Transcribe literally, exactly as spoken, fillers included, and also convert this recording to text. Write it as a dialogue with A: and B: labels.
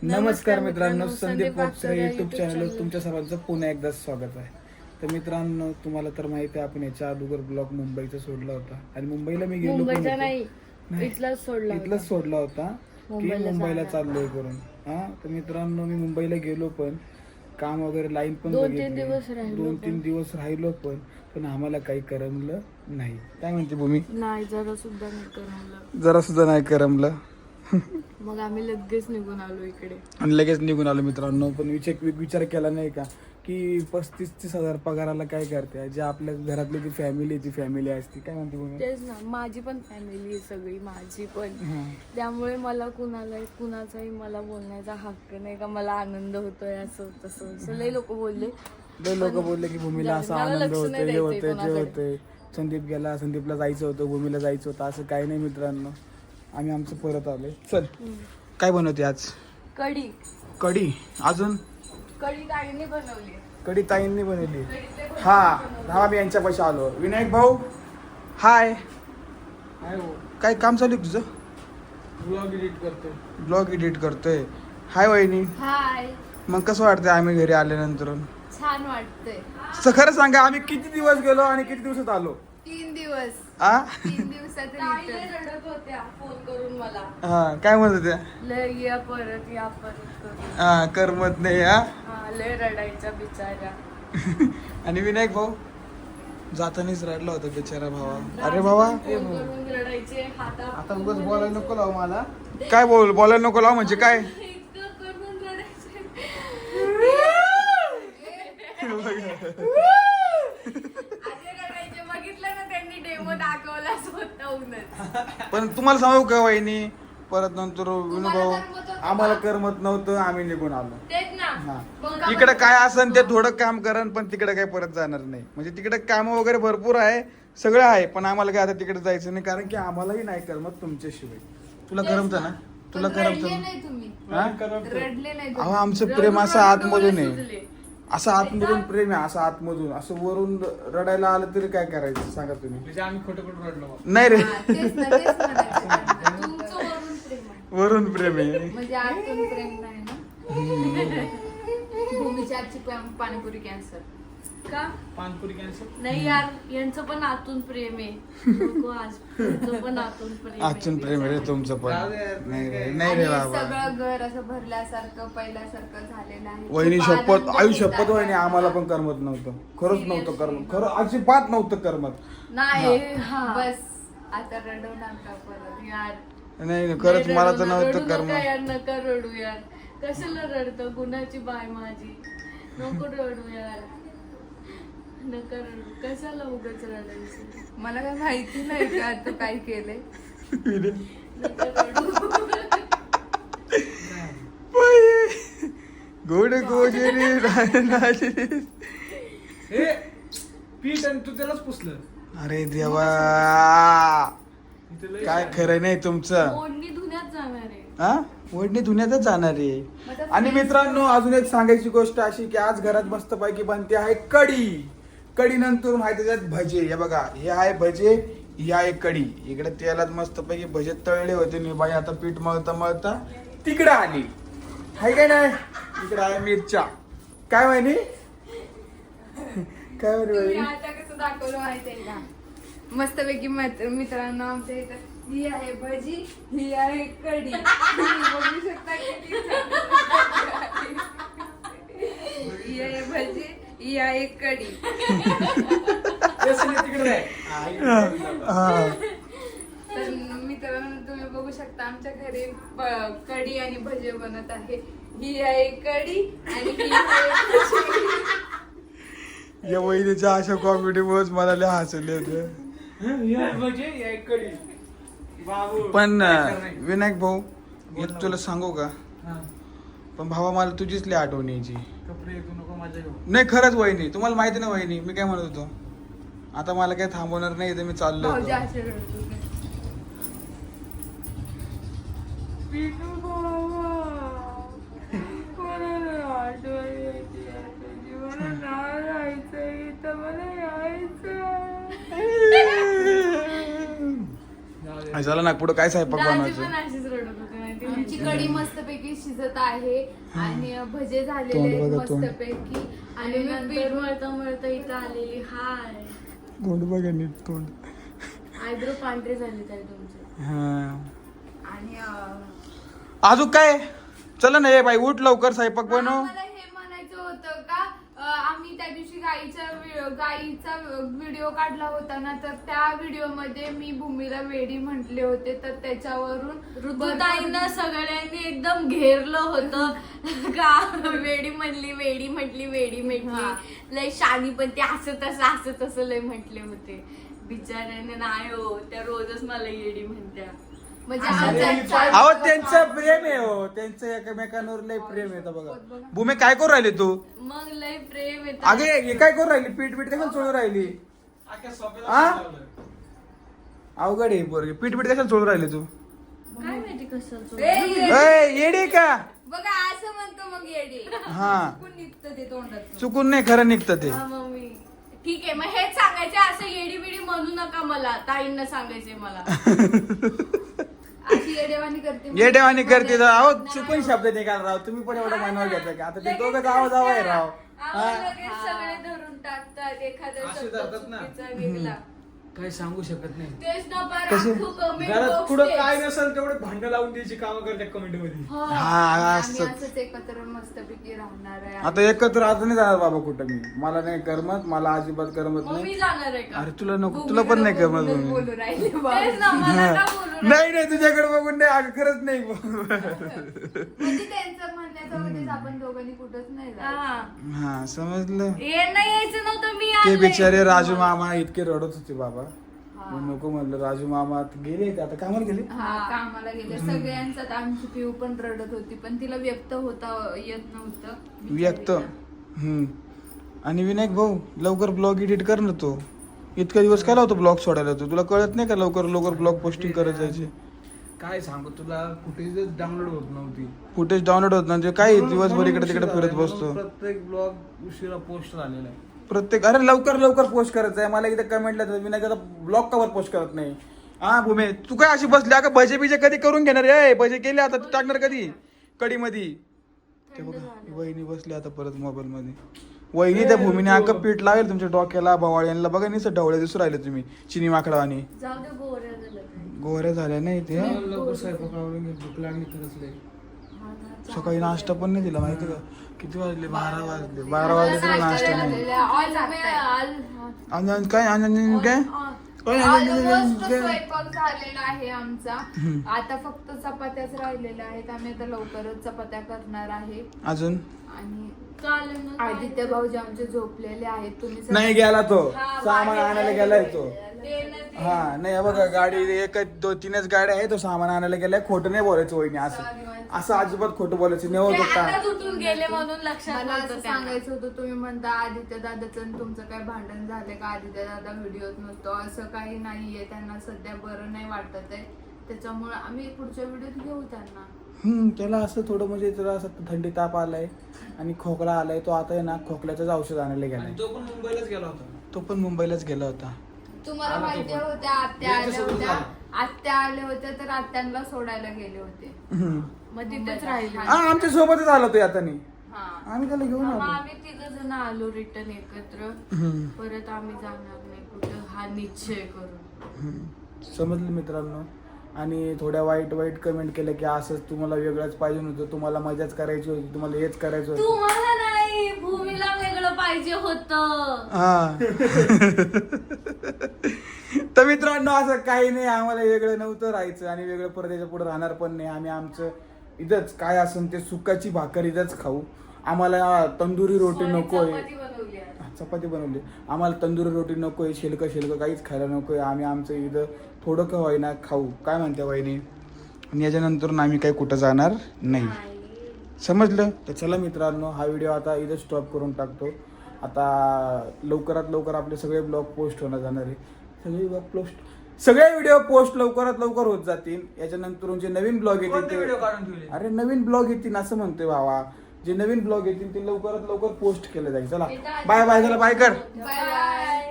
A: नमस्कार मित्रांनो, संदीप वाकचरे युट्यूब चॅनलवर तुमच्या सर्वांचं पुन्हा एकदा स्वागत आहे. तर मित्रांनो, तुम्हाला तर माहिती आहे आपण याच्या अगोदर ब्लॉग मुंबईचा सोडला होता आणि मुंबईला मी गेलो पण
B: मुंबईचा नाही, इथलाच सोडला होता.
A: इथलाच सोडला होता की
B: मुंबईला
A: मुंबईला
B: जाणार.
A: चाललोय करून. हा तर मित्रांनो, मी मुंबईला गेलो पण काम वगैरे लाईन पण
B: दोन तीन
A: बघितली.
B: दिवस राहिलो
A: दोन
B: पण.
A: तीन दिवस राहिलो पण पण आम्हाला काही करमलं नाही. काय म्हणते भूमी?
B: नाही, जरा सुद्धा नाही करमलं.
A: जरा सुद्धा नाही करमलं.
B: मग आम्ही लगेच निघून आलो इकडे.
A: आणि लगेच निघून आलो मित्रांनो. पण विचार विचार केला नाही का की पस्तीस तीस हजार पगाराला काय करते, जे आपल्या घरातली जी फॅमिली ती फॅमिली असते. काय म्हणते भूमी?
B: तेच ना, माझी पण फॅमिली आहे सगळी, माझी पण.
A: हा.
B: त्यामुळे मला कुणाला कुणाचाही मला बोलण्याचा हक्क नाही का मला आनंद होतोय असं तसं असं लई लोक बोलले.
A: लय लोक बोलले की भूमीला असा
B: मला
A: आनंद
B: लक्ष
A: होतोय,
B: नाही
A: हे
B: द्यायचंय
A: होतंय, ते
B: कोणाकडे.
A: होतंय. संदीप गेला, संदीपला जायचं होतं, भूमीला जायचं होतं, असं काही नाही मित्रांनो. आम्ही आमचं परत आलोय. चल, काय बनवते आज?
B: कढी
A: कढी. अजून
B: कढी ताईने बनवली.
A: कढी ताईंनी बनवली. हा, हा मी यांच्या पैसे आलो. विनायक भाऊ, हाय. काय काम चालू आहे तुझं?
C: ब्लॉग एडिट करतोय.
A: ब्लॉग एडिट करतोय. हाय वहिनी.
B: हाय,
A: मग कसं वाटतंय आम्ही घरी आल्यानंतर?
B: छान वाटतंय.
A: स- खरं सांगा, आम्ही किती दिवस गेलो आणि किती दिवसात आलो?
B: तीन दिवस
A: आ
B: तीन दिवसात रडत होत्या फोन करून मला.
A: हा, काय म्हणत होत्या?
B: लय या परत या परत करून.
A: हा, करमत नाही. हा.
B: हा, लय रडायचा बिचारा.
A: आणि विनायक भाऊ जातानीच रडला होता बिचारा भावा. अरे भावा,
B: फोन करून रडायचे हाता
A: आता उगाच बोलायला नको लावू मला. काय बोल बोलायला नको लावू म्हणजे काय?
B: इतकं करून रडायचे. असे रडायचे, बघितलं ना त्यांनी डेमो दाखवला स्वतःहूनच.
A: पण तुम्हाला सांगू का वहिनी, परत नंतर विनू भाऊ
B: करमत होतं का?
A: आम्हाला करमत नव्हतं, आम्ही निघून आलो.
B: तेच ना.
A: हा.
B: मग का
A: इकडे
B: म्हणतो?
A: काय असन ते थोडं काम करन, पण तिकडे काय परत जाणार नाही. म्हणजे तिकडे काम वगैरे भरपूर आहे, सगळं आहे, पण आम्हाला काय आता तिकडे जायचं नाही, कारण की आम्हालाही नाही करमत तुमच्याशिवाय. तुला करमत ना? तुला
B: पण
A: करमत
B: रडले
A: ना?
B: नाही तुम्ही.
A: हा?
B: रडले नाही
A: अहो,
B: तुम्ही.
A: आमचं प्रेम
B: रडून
A: असं
B: रडून
A: आतमधून
B: डोळे
A: आहे.
B: सुजले.
A: असं आतमधून प्रेम आहे, असं आतमधून. असं वरून रडायला आलं तरी काय करायचं सांगा तुम्ही?
C: म्हणजे आम्ही खोटं खोटं रडलो.
A: नाही रे,
B: हा, तेच ना, तेच म्हणायचं. तुमचं वरून प्रेम आहे.
A: वरून प्रेम आहे.
B: म्हणजे आतून प्रेम नाही ना. भूमीच्या आजची पा- पाणीपुरी कॅन्सर का?
C: पानपुरी कॅन्सर.
B: नाही यार, यांचं पण आतून प्रेम आहे. नको आज, तुमचं पण आतून प्रेम आहे.
A: आजून प्रेम आहे रे तुमचं पण.
C: जाऊ दे यार,
A: नाही रे,
C: काय.
A: नाही रे
D: आणि
A: बाबा.
D: सगळं घर असं भरल्यासारखं पहिल्यासारखं झालेलं आहे.
A: वहिनी
D: खूप
A: शपथ,
D: आनंद
A: आयु
D: होत
A: शपथ
D: आहे.
A: वहिनी, आम्हाला पण करमत नव्हतं. खरंच नव्हतं
D: Seriously.
A: करमत, खरं अजिबात नव्हतं करमत.
B: नाही हा.
D: बस आता रडू नका परत.
B: यार,
A: नाही नाही, खरंच
B: नाही
A: मला
B: रडू
A: तर
B: नका,
A: नव्हतं
B: रडू नका
A: करमत.
B: यार, नका रडू यार. कशाला रडतं? गुणाची बाय माझी. नको रडू यार, नका रडू. कशाला उगाच रडायचं?
D: मला काय माहिती नाही का तू काय केलंय.
B: नका रडू.
A: गोड गोजरी राजरी.
C: हे पीठ आणि तू त्यालाच पुसलं.
A: अरे देवा,
C: इथे लय
A: काय खरं नाही तुमचं.
B: ओढणी धुण्यात जाणार आहे.
A: हा, ओढणी धुण्यातच जाणार आहे. आणि मित्रांनो, अजून एक सांगायची गोष्ट अशी की आज घरात मस्त पैकी बनते आहे कढी. कढी नंतर माहिती त्याच्यात भजे. हे बघा, हे आहे भजे, ही आहे कढी. इकडे तेलात मस्त पैकी भजे तळले होते. मी बाई आता पीठ मळता मळता तिकडे आली. हाय काय नाही, इकडे आहे मिरच्या. काय म्हणे काय म्हणे
D: तुम्ही
A: बाई?
D: आता कसं दाखवलं माहितीये का? मस्तपैकी मित्र- मित्रांनो, आमच्या इथं ही आहे भजी, ही आहे कढी. तुम्ही बघू शकता किती छान. ही आहे भजी, ही आहे कढी.
C: तेच नाही, तिकडे नाही. हा, इकडे.
A: हा.
D: तर मित्रांनो, तुम्ही बघू शकता आमच्या घरी ब- कढी आणि भजे बनत आहे. ही आहे कढी आणि ही आहे भजी.
A: या वहिनीच्या अशा कॉमेडी मुळेच मला लय हसले होते.
C: हं, ही आहे भजी, ही आहे कढी. बाबू.
A: पण
C: काय
A: अं,
C: करणार?
A: विनायक भाऊ,
C: बोल
A: एक
C: ना.
A: तुला सांगू का?
C: हा.
A: पण भावा, मला तुझीच लय आठवण यायची.
C: कपडे तू नको माझ्या घेऊ.
A: नाही खरंच वहिनी, तुम्हाला माहिती ना वहिनी, मी काय म्हणत होतो, आता मला काही थांबवणार नाही, तर मी चाललो
D: भाऊजी
A: होतो.
D: असे रडत होते.
B: पिनू बाबा, कोणाला आठवण येते तुझी? मला नाही राहायचंय इथं, मला यायचं.
C: जाऊ दे.
A: झालं ना, पुढं काय स्वयंपाक
B: दाजी
A: बनवायचं?
B: पण अशीच रडत होते माहिती आहे?
D: आमची कढी मस्तपैकी शिजत आहे आणि भजे झालेले
A: तोंड
D: आहेत
A: बघा, तोंड.
D: मस्तपैकी
B: आणि
D: आणि
B: मी
D: नंतर
B: पीठ मळता मळता इथं आलेली हाय
A: तोंड बघा नीट तोंड.
B: आयब्रो पांढरे झाले ताई तुमचे.
A: हा
D: आणि अं,
A: अजून काय चला ना ये बाई उठ लवकर स्वयंपाक बनव.
D: मला हे म्हणायचं होतं का अं, आम्ही त्या दिवशी गाईचा वि- गाईचा व्हिडिओ काढला होता ना, तर त्या व्हिडिओ मध्ये मी भूमीला वेडी म्हटले होते, तर त्याच्यावरून
B: ऋतुताईंना सगळ्यांनी एकदम घेरलं होतं का वेडी म्हणली वेडी म्हटली वेडी
D: हा.
B: म्हटली लय शानी पण ते असं तसं असं तसं लय म्हटले होते. बिचाऱ्याने नाही हो त्या रोजच मला येडी म्हणत्या.
D: म्हणजे
B: अरे,
D: आमच्या चार-
A: अहो त्यांचं प्रेम आहे हो त्यांचं एकमेकांवर लय प्रेम आहे. इथं बघा भूमी काय करू राहिली तू.
B: मग लय प्रेम येत.
A: अगे हे काय करू राहिली पीठ पीठ कशाला चोळू राहिली.
C: अख्ख्या सोफ्याला
A: आ?
C: लावलं.
A: अवघड आहे पोरगी पीठ पीठ कशाला चोळू राहिली तू.
B: काय माहिती कसं
D: ए, ये-
A: अय, येडी का.
D: बघा असं म्हणतो मग येडी.
A: हा
D: चुकून निघतं ते तोंडात.
A: चुकून नाही खरं निघतं ते.
B: हा मम्मी ठीक आहे मग हेच सांगायचे असं येडी बिडी म्हणू नका मला ताईंना सांगायचे मला.
D: अशी येडेवाणी करते मग.
A: येडेवाणी करते तर अहो चुकून शब्द निघाल राव तुम्ही पण एवढं मानवर घेतलं का आता ते दोघं जावं जावं आहे राव.
B: आम्हाला
A: हा?
B: लगेच सगळे धरून टाकतात एखादा
C: असे
B: शब्द
C: धरतात ना.
B: चुकीचा निघला.
C: काही सांगू शकत नाही.
B: तेच ना पार
A: कसे?
B: अख्खं comment
C: घरात
B: box
C: पुढं
B: तेच.
C: काय नसेल तेवढे भांडण लावून द्यायची कामं करतात कमेंट मध्ये.
B: हा.
A: हा
D: आम्ही
A: असं
D: असंच एकत्र मस्तपैकी राहणार आहे.
A: आता एकत्र आता नाही जाणार बाबा कुठं मी मला नाही करमत मला अजिबात करमत
B: मग मी
A: नाही.
B: जाणार आहे का
A: अरे तुला नको
D: भूमीला
A: तुला पण नाही करमत
D: बोलूनच
A: भूमी.
D: बोलू राहिले
B: तेच
D: बाबा.
B: ना मला
A: हा.
B: का बोलू राहिले?
A: नाही नाही तुझ्याकडे बघून नाही अगं खरंच नाही.
D: म्हणजे त्यांचं म्हणण्याचा उद्देश आपण दोघांनी कुठंच नाही जायचं.
B: हा.
A: हा समजलं.
B: यांना यायचं नव्हतं मी
A: ते
B: आले.
A: बिचारे राजू मामा इतके रडत होते बाबा. मी नको म्हणलं राजू मामा गेले ते आता कामाला गेले.
D: हा कामाला गेले सगळ्यांचाच. आमची पिऊ पण रडत होती पण तिला व्यक्त होता येत नव्हतं.
A: व्यक्त हम्म आणि विनायक भाऊ लवकर ब्लॉग एडिट कर ना तू. इतका दिवस काय लावतो ब्लॉग सोडायला तू तुला कळत नाही का लवकर लवकर ब्लॉग पोस्टिंग करत जायचे.
C: काय सांगू तुला फुटेज डाउनलोड होत नव्हती.
A: फुटेज डाउनलोड होत म्हणजे काय दिवसभर इकडे तिकडे
C: म्हणून
A: फिरत
C: उशिरा
A: बसतो.
C: झालाय. म्हणून प्रत्येक ब्लॉग उशिरा पोस्ट झालेला आहे.
A: प्रत्येक अरे लवकर लवकर पोस्ट करायचं आहे मला एकदा कमेंटला विनायक आता ब्लॉग कवर पोस्ट करत नाही. हा भूमे तू काय अशी बसली अगं भजे बिजे कधी करून घेणार आहे. भजे केले आता तू टाकणार कधी कढी मध्ये. ते बघा वहिनी बसली आता परत मोबाईल मध्ये. वहिनी त्या भूमीने अगं पीठ लावेल तुमच्या डोक्याला भवाळ्यांना बघा निसं ढवळे दिसू राहिले तुम्ही चिनी माकडावानी.
B: जाऊ दे गोऱ्या झालं काय.
A: गोऱ्या झाल्या नाही ते.
C: लवकर स्वयंपाक आवरून घे, भूक लागली खरंच लय.
A: सकाळी नाश्ता पण नाही दिला माहिती का. किती वाजले बारा वाजले बारा वाजले तरी नाश्ता नाही.
B: आज मी आज-
A: आणि आणि काय आणि आणि काय काय आणि- आणि- आणि-
D: Almost
A: काय?
D: स्वयंपाक झालेला आहे आमचा. आता फक्त चपात्याच राहिलेल्या आहेत. आम्ही आता लवकरच चपात्या करणार आहे.
A: अजून
D: आणि
B: चालेल ना, काय
D: आदित्य भाऊजी आमचे झोपलेले आहेत. तुम्ही सगळे-
A: नाही गेला तो
B: हा,
A: सामान
B: बाहेर
A: आणायला गेलाय तो.
B: ते ना ते.
A: हा नाही हे बघा गाडी एक दोन तीनच गाड्या आहे तो सामान आणायला गेलाय. खोटं नाही बोलायचं वहिनी असं असं अजिबात खोटं बोलायचं नाही
B: ते
A: होत
B: आता
A: का.
B: तुटून गेले म्हणून लक्षात
D: मला
B: नव्हतं
D: असं
B: त्यांना.
D: सांगायचं होतं तुम्ही म्हणता आदित्य दादाचं आणि तुमचं काय भांडण झालंय का आदित्य दादा व्हिडिओत नसतो. असं काही नाहीये. त्यांना सध्या बरं नाही वाटत आहे त्याच्यामुळे आम्ही पुढच्या व्हिडिओत घेऊ त्यांना.
A: हम्म त्याला असं थोडं म्हणजे त्याला असं थंडी ताप आलाय आणि खोकला आलाय. तो आता आहे ना खोकल्याचंच औषध आणायला गेलाय.
C: आणि तो पण मुंबईलाच गेला होता.
A: तो पण मुंबईलाच गेला होता.
D: तुम्हाला
C: आला तो
D: माहिती
C: पण.
D: होत्या आत्या आल्या
C: यांच्यासोबत
D: होत्या
C: झालं.
D: आत्या आल्या होत्या तर आत्यांना सोडायला गेले होते.
A: हम्म.
B: मग तिथेच राहिले.
A: हा आमच्या सोबतच आला तो आता नाही.
D: हा
A: आम्ही त्याला घेऊन
B: मग
A: आलो.
B: आम्ही तिघ जण आलो रिटर्न एकत्र.
A: हम्म.
B: परत आम्ही जाणार नाही कुठं हा निश्चय करून.
A: हम्म. समजलं मित्रांनो. आणि थोड्या वाईट वाईट कमेंट केल्या की असंच तुम्हाला वेगळंच पाहिजे नव्हतं तुम्हाला मजाच करायची होती तुम्हाला हेच करायचं होतं.
B: तुम्हाला नाही भूमीला वेगळं पाहिजे होतं.
A: हा तर मित्रांनो असं काही नाही आम्हाला वेगळं नव्हतं राहायचं आणि वेगळं परदेशा पुढे राहणार पण नाही. आम्ही आमचं इथंच काय असेल ते सुकाची भाकर इथंच खाऊ. आम्हाला तंदुरी रोटी
B: सोनी
A: नकोय.
B: चपाती बनवली आज.
A: चपाती बनवली. आम्हाला तंदुरी रोटी नकोय शिलकं शिलकं काहीच खायला नकोय. आम्ही आमचं इथं थोडं का होईना खाऊ काय म्हणते वहिनी. आणि याच्यानंतर आम्ही काही कुठं जाणार नाही. समजलं. तर चला मित्रांनो हा व्हिडिओ आता इथं स्टॉप करून टाकतो. आता लवकरात लवकर आपले सगळे ब्लॉग पोस्ट होणार जाणार आहे. सगळे ब्लॉग पोस्ट सगळे व्हिडिओ पोस्ट लवकरात लवकर होत जातील. याच्यानंतर जे नवीन ब्लॉग
C: कोणते
A: येतील
C: व्हिडिओ
A: ते
C: काढून ठेवले?
A: अरे नवीन ब्लॉग येतील असं म्हणतोय भावा. जे नवीन ब्लॉग येतील ते लवकरात लवकर पोस्ट केले जाईल. चला बाय बाय. चला बाय कर.
D: Bye bye.